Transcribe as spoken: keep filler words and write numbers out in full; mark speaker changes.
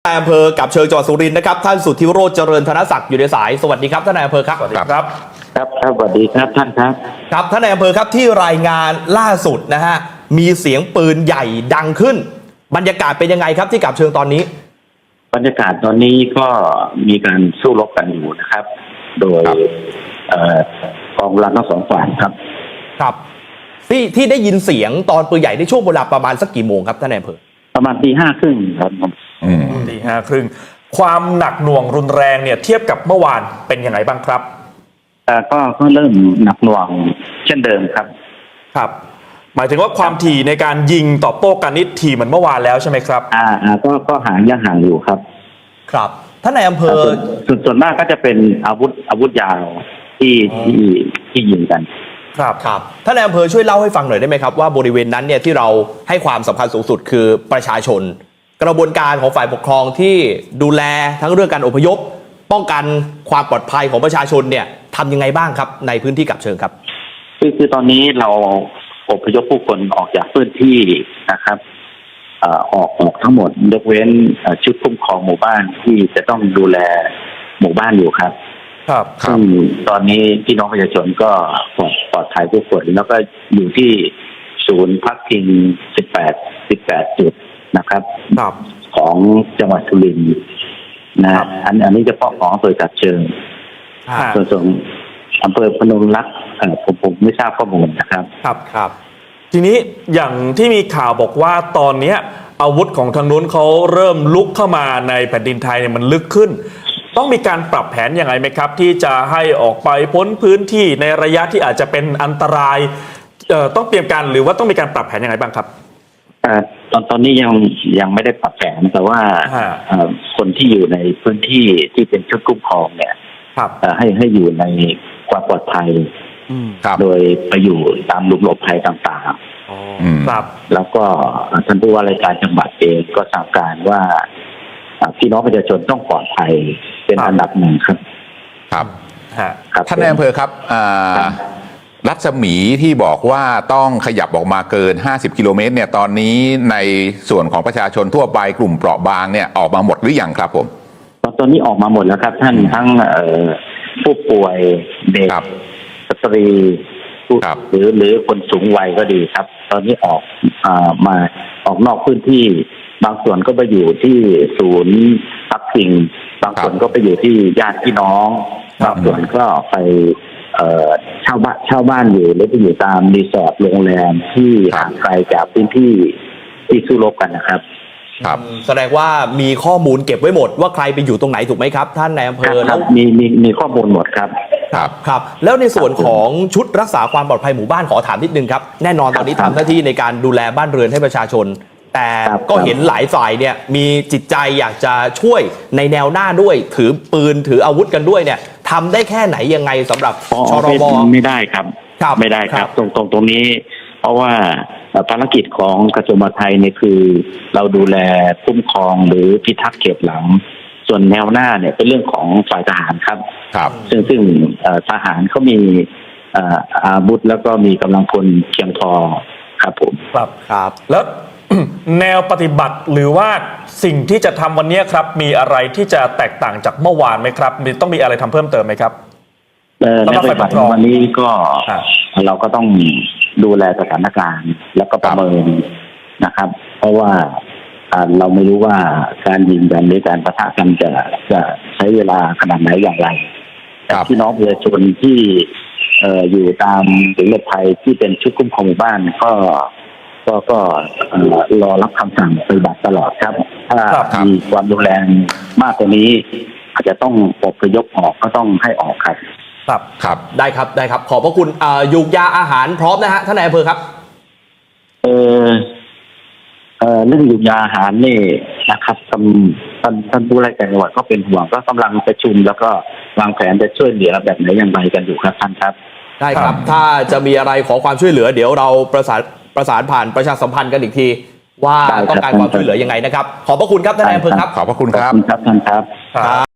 Speaker 1: นายอำเภอกับเชิงจังหวัดสุรินทร์นะครับท่านสุทธิโรจน์เจริญธนศักดิ์อยู่ในสายสวัสดีครับท่านนายอำเภอครับสวัสดีครับ
Speaker 2: ครับครับสวัสดีครับท่านครับ
Speaker 1: ครับท่านนายอำเภอครับที่รายงานล่าสุดนะฮะมีเสียงปืนใหญ่ดังขึ้นบรรยากาศเป็นยังไงครับที่กับเชิงตอนนี้
Speaker 2: บรรยากาศตอนนี้ก็มีการสู้รบกันอยู่นะครับโดยกองกำลังทั้งสองฝ่ายครับ
Speaker 1: ครับที่ที่ได้ยินเสียงตอนปืนใหญ่ในช่วงเวลาประมาณสักกี่โมงครับท่านนายอำเภอ
Speaker 2: ประมาณตีห้าครึ่งครับ
Speaker 3: ตีห้าครึ่งความหนักหน่วงรุนแรงเนี่ยเทียบกับเมื่อวานเป็นยังไงบ้างครับ
Speaker 2: ก็ก็เริ่มหนักหน่วงเช่นเดิมครับ
Speaker 3: ครับหมายถึงว่าความถี่ในการยิงตอบโต้กันนี่ถี่เหมือนเมื่อวานแล้วใช่ไหมครับ
Speaker 2: อ่าก็ก็ห่างยังห่างอยู่ครับ
Speaker 1: ครับท่านนายอำเภอ
Speaker 2: ส่วนส่วนมากก็จะเป็นอาวุธอาวุธยาวที่ที่ที่ยิงกัน
Speaker 1: ครับครับท่านนายอำเภอช่วยเล่าให้ฟังหน่อยได้ไหมครับว่าบริเวณนั้นเนี่ยที่เราให้ความสำคัญสูงสุดคือประชาชนกระบวนการของฝ่ายปกครองที่ดูแลทั้งเรื่องการอพยพป้องกันความปลอดภัยของประชาชนเนี่ยทำยังไงบ้างครับในพื้นที่กับเชิงครับ
Speaker 2: คือคือตอนนี้เราอพยพผู้คนออกจากพื้นที่นะครับออกออกทั้งหมดยกเว้นชุดคุ้มครองหมู่บ้านที่จะต้องดูแลหมู่บ้านอยู่ครับ
Speaker 3: ครับ
Speaker 2: ซึ่งตอนนี้พี่น้องประชาชนก็ปลอดปลอดภัยผู้คนแล้วก็อยู่ที่ศูนย์พักพิงสิบแปด สิบแปดจุดนะครับของจังหวัดสุรินทร์นะอันอันนี้เฉพาะของอำเภอกับเชิงส่วนส่วนอำเภอพนมรักผมผมไม่ทราบข้อมูลนะครับ
Speaker 3: ครับครับทีนี้อย่างที่มีข่าวบอกว่าตอนนี้อาวุธของทางนู้นเขาเริ่มลุกเข้ามาในแผ่นดินไทยเนี่ยมันลึกขึ้นต้องมีการปรับแผนยังไงไหมครับที่จะให้ออกไปพ้นพื้นที่ในระยะที่อาจจะเป็นอันตรายเอ่อต้องเตรียมการหรือว่าต้องมีการปรับแผนยังไงบ้างครับ
Speaker 2: ตอนตอนนี้ยังยังไม่ได้ปรับแผนแต่ว่าคนที่อยู่ในพื้นที่ที่เป็นชุดคุ้มครองเนี่ยให้ให้อยู่ในความปลอดภัยโดยไปอยู่ตามหลุมหลบภัยต่างๆครับแล้วก็ท่านผู้ว่าราชการจังหวัดเองก็สั่งการว่าพี่น้องประชาชนต้องปลอดภัยเป็นอันดับหนึ่งครับ
Speaker 4: ครับท่านนายอำเภอครับรัศมีที่บอกว่าต้องขยับออกมาเกินห้าสิบกิโลเมตรเนี่ยตอนนี้ในส่วนของประชาชนทั่วไปกลุ่มเปราะบางเนี่ยออกมาหมดหรือยังครับผม
Speaker 2: ตอนนี้ออกมาหมดแล้วครับท่านทั้งผู้ป่วยเด็กสตรีหรือหรือคนสูงวัยก็ดีครับตอนนี้ออกมาออกนอกพื้นที่บางส่วนก็ไปอยู่ที่ศูนย์พักพิงบางส่วนก็ไปอยู่ที่ญาติพี่น้องบางส่วนก็ไปเช่าบ้านเช่าบ้านอยู่หรือไปอยู่ตามรีสอร์ทโรงแรมที่ห่างไกลจากพื้นที่ที่สู้รบกันนะครับ
Speaker 1: ครับแสดงว่ามีข้อมูลเก็บไว้หมดว่าใครไปอยู่ตรงไหนถูกไหมครับท่านนายอำเภอ
Speaker 2: แล้วมีมีมีข้อมูลหมดครับ
Speaker 1: ครับครับแล้วในส่วนของชุดรักษาความปลอดภัยหมู่บ้านขอถามนิดนึงครับแน่นอนตอนนี้ทำหน้าที่ในการดูแลบ้านเรือนให้ประชาชนแต่ก็เห็นหลายฝ่ายเนี่ยมีจิตใจอยากจะช่วยในแนวหน้าด้วยถือปืนถืออาวุธกันด้วยเนี่ยทำได้แค่ไหนยังไงสำหรับชรบ
Speaker 2: ไม่ได้ครับไม่ได้ครับตรงตรงตรงนี้เพราะว่าภารกิจของกระทรวงมหาดไทยเนี่ยคือเราดูแลคุ้มครองหรือพิทักษ์เขตหลังส่วนแนวหน้าเนี่ยเป็นเรื่องของฝ่ายทหารครับ
Speaker 4: ครับ
Speaker 2: ซึ่งซึ่งทหารเขามีอาวุธแล้วก็มีกำลังพลเพียงพอครับผม
Speaker 3: ครับครับแล้วแนวปฏิบัติหรือว่าสิ่งที่จะทำวันนี้ครับมีอะไรที่จะแตกต่างจากเมื่อวานไหมครับต้องมีอะไรทำเพิ่มเติมไหมครับ
Speaker 2: ในปฏิบัติวันนี้ก็เราก็ต้องดูแลสถานการณ์แล้วก็ประเมินนะครับเพราะว่าเราไม่รู้ว่าการยิงกันหรือการปะทะกันจะจะใช้เวลาขนาดไหนอย่างไรพี่น้องประชาชนที่อยู่ตามหลุมหลบภัยที่เป็นชุดคุ้มครองหมู่บ้านก็ก็ก็รอรับคำสั่งปฏิบัติตลอดครับถ้ามีความรุนแรงมากกว่านี้อาจจะต้องอพยพออกก็ต้องให้ออกครับ
Speaker 1: ครับครับได้ครับได้ครับขอบพระคุณยูกยาอาหารพร้อมนะฮะท่านนายอำเภอครับ
Speaker 2: เออเออเรื่องยูกยาอาหารนี่นะครับท่านท่านท่านผู้ราชการจังหวัดก็เป็นห่วงก็กำลังประชุมแล้วก็วางแผนจะช่วยเหลือแบบไหนอย่างไรกันอยู่ครับท่านครับ
Speaker 1: ได้ครับถ้าจะมีอะไรขอความช่วยเหลือเดี๋ยวเราประสานประสานผ่านประชาสัมพันธ์กันอีกทีว่าต้องการความช่วยเหลือยังไงนะครับขอบพระคุณครับท่านนายอำเภอครับ
Speaker 4: ขอบพระคุณครับ
Speaker 2: ครับท่านครับ